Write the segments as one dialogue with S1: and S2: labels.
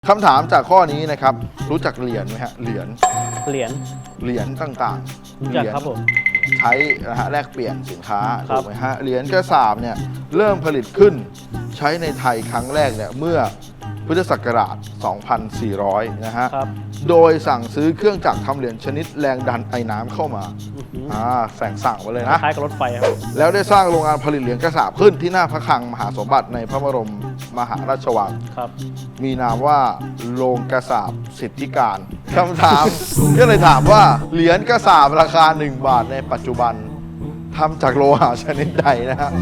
S1: คำถามจากข้อนี้นะครับรู้จักเหรียญไหมฮะเหรียญต่างๆ
S2: รู้จักครับผม
S1: ใช้นะฮะแลกเปลี่ยนสินค้า
S2: ครั
S1: ถู
S2: บ
S1: กไหมฮะเหรียญกระสาบเนี่ยเริ่มผลิตขึ้นใช้ในไทยครั้งแรกเนี่ยเมื่อพุทธศักราช 2400 นะฮะ
S2: ครับ
S1: โดยสั่งซื้อเครื่องจักรทำเหรียญชนิดแรงดันไอน้ำเข้ามาสั่งมาเลยนะ
S2: คล้ายกับรถไฟครับ
S1: แล้วได้สร้างโรงงานผลิตเหรียญกระสาบขึ้นที่หน้าพระคลังมหาสมบัติในพระบรมมหาราชวัง
S2: ครับ
S1: มีนามว่าโรงกระสาบสิทธิการคำถาม ก็เลยถามว่าเหรียญกระสาบราคา 1 บาทในปัจจุบันทำจากโลหะชนิดใดนะฮะ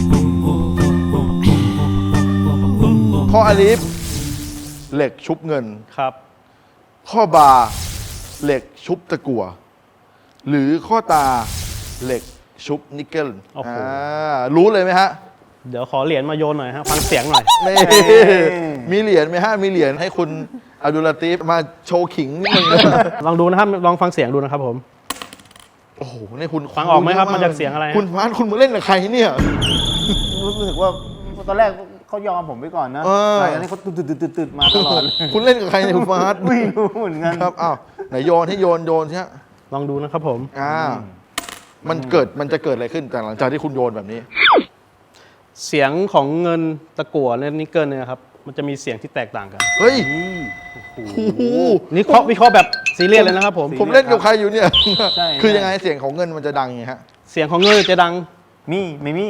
S1: ข้ออลิฟเหล็กชุบเงิน
S2: ครับ
S1: ข้อบาเหล็กชุบตะกั่วหรือข้อตาเหล็กชุบนิกเกิล
S2: โอ้โห
S1: รู้เลยไหมฮะ
S2: เดี๋ยวขอเหรียญมาโยนหน่อยฮะ ฟังเสียงหน่อย
S1: นี่มีเหรียญไหมฮะมีเหรียญให้คุณอับดุลลาตีฟมาโชว์ขิงนิดนึงนะ
S2: ลองดูนะครับ ลองฟังเสียงดูนะครับผม
S1: โอ้โหนี่คุณ
S2: ฟังออกไหมครับมาจากเสียงอะไรฮะ
S1: คุณพาร์ทคุณมาเล่นกับใครเนี่ย
S3: รู้สึกว่าตอนแรกเขายอมผมไปก่อนนะ
S1: เออ
S3: หลังจากนี้เขาตืดมาตลอดเลย
S1: คุณเล่นกับใครเนี่ยคุณพาร์ท
S3: ไม่รู้เหมือนกัน
S1: ครับอ้าวไหนโยนให้โยนใช่ไหม
S2: ลองดูนะครับผม
S1: มันจะเกิดอะไรขึ้นจากหลังจากที่คุณโยนแบบนี้
S2: เสียงของเงินตะกั่วและนิกเกิลเนี่ยครับ มันจะมีเสียงที่แตกต่างกัน
S1: เฮ้ยโอ้โห
S2: นี่วิเคราะห์แบบซีเรียสเลยนะครับผม
S1: ผมเล่นกับใครอยู่เนี่ย
S3: ใช่
S1: คือยังไงเสียงของเงินมันจะดังไงฮะ
S2: เสียงของเงินจะดัง
S3: มีไม่มี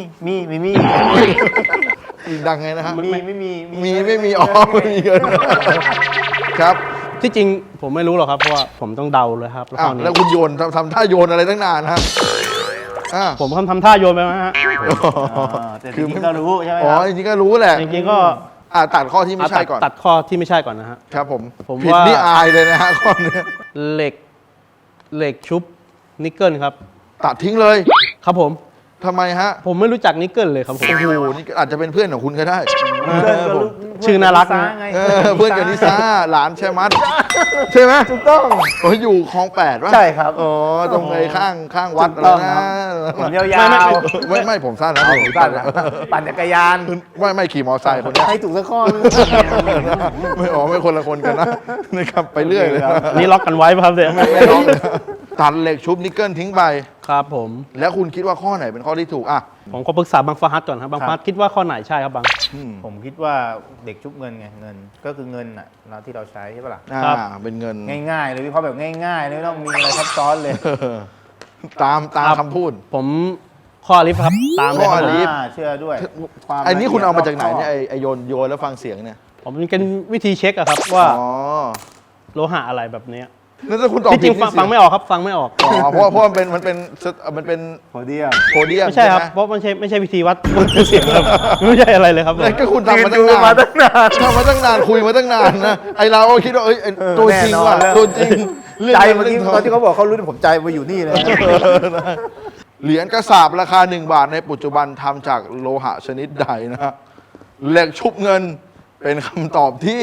S1: ดังไงนะฮะ
S3: ไม่มี
S1: ไม่มีอ๋อไม่มีเงินครับ
S2: ที่จริงผมไม่รู้หรอกครับ เพราะว่าผมต้องเดาเลยครับแล้ว
S1: อ้า
S2: ข้
S1: ว
S2: อนี้
S1: แล้วคุณโยนทำท่าโยนอะไรตั้งนานฮะอ่า
S2: ผมทำท่าโยนไปไหมฮะ
S3: แต่จริงๆก็รู้ใช่ไหม
S1: อ๋
S3: ค
S1: อ
S3: รับ
S1: จริงๆก็รู้แหละ
S2: จริงๆก็
S1: ตัดข้อที่ไม่ใช่ก่อน
S2: ตัดข้อที่ไม่ใช่ก่อนนะฮะ
S1: ครับผม
S2: ผม
S1: ผิด
S2: ว่า
S1: นี่อายเลยนะฮะข้อนี้
S2: เหล็กชุบนิกเกิลครับ
S1: ตัดทิ้งเลย
S2: ครับผม
S1: ทำไมฮะ
S2: ผมไม่รู้จักนิกเกิลเลยครับผม
S1: โอ้โหนี่อาจจะเป็นเพื่อนของคุณก็ได้
S3: เพื่อนก็รู้
S2: ชื่อน่ารักนะ
S3: ไง
S1: เพื่อนกับนิซ่าหลานแชมัดใช่ไหม
S3: ถูกต้อง
S1: โอ้ยอยู่คลอง8วะ
S3: ใช่ครับ
S1: อ๋อตรงไอ้ข้างวัด
S3: ถู
S1: อะ
S3: ก
S1: ไร
S3: ต้อง
S1: นะครับ
S3: ผมยาว
S1: ไม่ผมสั้นนะ
S3: ๆ
S1: ผม
S3: ปั่นนะปั่นจักรยาน
S1: ไม่ขี่มอไซค์คนเนี้ย
S3: ให้ถูกสักข้อนึง
S1: ไม่คนละคนกันนะนะครับไปเรื่อยเลยนะ
S2: อันนี้ล็อกกันไว้ป่ะครับเนี่ย
S1: ไม่ต้องตัดเหล็กชุบนิกเกิลทิ้งไป
S2: ครับผม
S1: แล้วคุณคิดว่าข้อไหนเป็นข้อที่ถูกอ่ะ
S2: ผมขอปรึกษาบางฟาฮัดก่อนครับบางฟาฮัดคิดว่าข้อไหนใช่ครับบาง
S3: ผมคิดว่าเด็กชุบเงินไงเงิน ก็คือเงินน่ะเราที่เราใช้ใช่ปะล่ะ
S1: เป็นเงิน
S3: ง่ายๆเลยวิเคราะห์แบบง่ายๆเลยไม่ต้องมีอะไรซับซ้อนเลย
S1: ตามคำพูด
S2: ผมข้อลิฟต์ครับตามเลย
S1: ข้
S2: ค
S1: อ
S2: รับ
S1: ลิฟต์
S3: เชื่อด้วยความ
S1: ไอ้นี่คุณเอามาจากไหน
S3: ละ
S1: เนี่ย
S3: อีด
S1: ไอ้โยนแล้วฟังเสียงเนี่ย
S2: ผมเป็นวิธีเช็คอะครับว่า
S1: อ๋อ
S2: โลหะอะไรแบบเนี้ย
S1: นั่นถ้าคุณตอบ
S2: ที่จริง
S1: ผิดนี่
S2: ฟังไม่ออกครับฟังไม่ออก
S1: อ๋อเพราะมันเป็น
S3: โพเดียม
S1: โพเดียม
S2: ไม่ใช่ครับ
S1: ห
S2: เพราะไม่ใช่วิธีวัดเสียงครับไม่ใช่อะไรเลยครับผม
S1: นั่นก็คุณทำมาตั้ง
S3: ยื
S1: นาน
S3: มาตั้งนาน
S1: ทำมาตั้งนานคุยมาตั้งนานนะไอเราก็คิดว่าเอ้ยตัวจริงว่ะ
S3: แน่นอนแล้ว
S1: ตัวจริงรื่อง
S3: ใจเมื่อกี้
S1: รื่อง
S3: ตอนที่เขาบอกเขารู้ผมใจมาอยู่นี่เลย
S1: เหรียญกระสาบราคา1 บาทในปัจจุบันทำจากโลหะชนิดใดนะฮะเหล็กชุบเงินเป็นคำตอบที่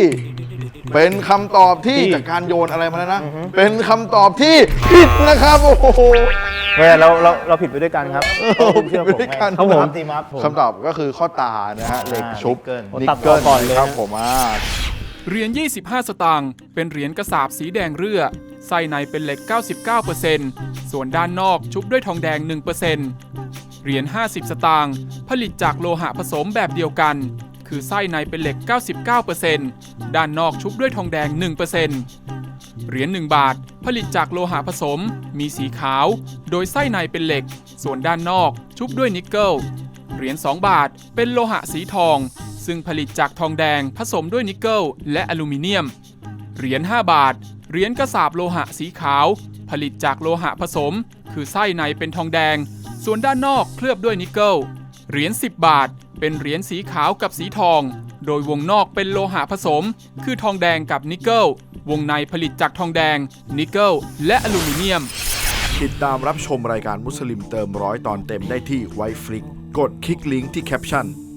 S1: จากการโยนอะไรมาแล้วนะ เป็นคำตอบที่ผิดนะครับโอ้โห
S3: เนี่ยเราผิดไปด้วยกันครับ
S1: ผิดไปด้วยกัน
S3: ครับผมทีมครับผม
S1: คำตอบก็คือข้อตานะฮะเหล็กชุบ
S3: นิกเกิล
S2: ตัดต่อก่อนเลย
S1: ครับผม
S4: เหรียญ 25 สตางค์ เป็นเหรียญกระสาบสีแดงเรือ ไส้ในเป็นเหล็ก 99% ส่วนด้านนอกชุบด้วยทองแดง 1% เหรียญ 50 สตางค์ ผลิตจากโลหะผสมแบบเดียวกัน คือไส้ในเป็นเหล็ก 99% ด้านนอกชุบด้วยทองแดง 1% เหรียญ 1 บาท ผลิตจากโลหะผสม มีสีขาว โดยไส้ในเป็นเหล็ก ส่วนด้านนอกชุบด้วยนิกเกิล เหรียญ 2 บาท เป็นโลหะสีทอง ซึ่งผลิตจากทองแดงผสมด้วยนิกเกิลและอลูมิเนียม เหรียญ 5 บาท เหรียญกระสาบโลหะสีขาว ผลิตจากโลหะผสม คือไส้ในเป็นทองแดง ส่วนด้านนอกเคลือบด้วยนิกเกิล เหรียญ 10 บาท เป็นเหรียญสีขาวกับสีทอง โดยวงนอกเป็นโลหะผสม คือทองแดงกับนิกเกิล วงในผลิตจากทองแดง นิกเกิล และอลูมิเนียม
S1: ติดตามรับชมรายการมุสลิมเติมร้อยตอนเต็มได้ที่ไวฟลิกกดคลิกลิงก์ที่แคปชั่น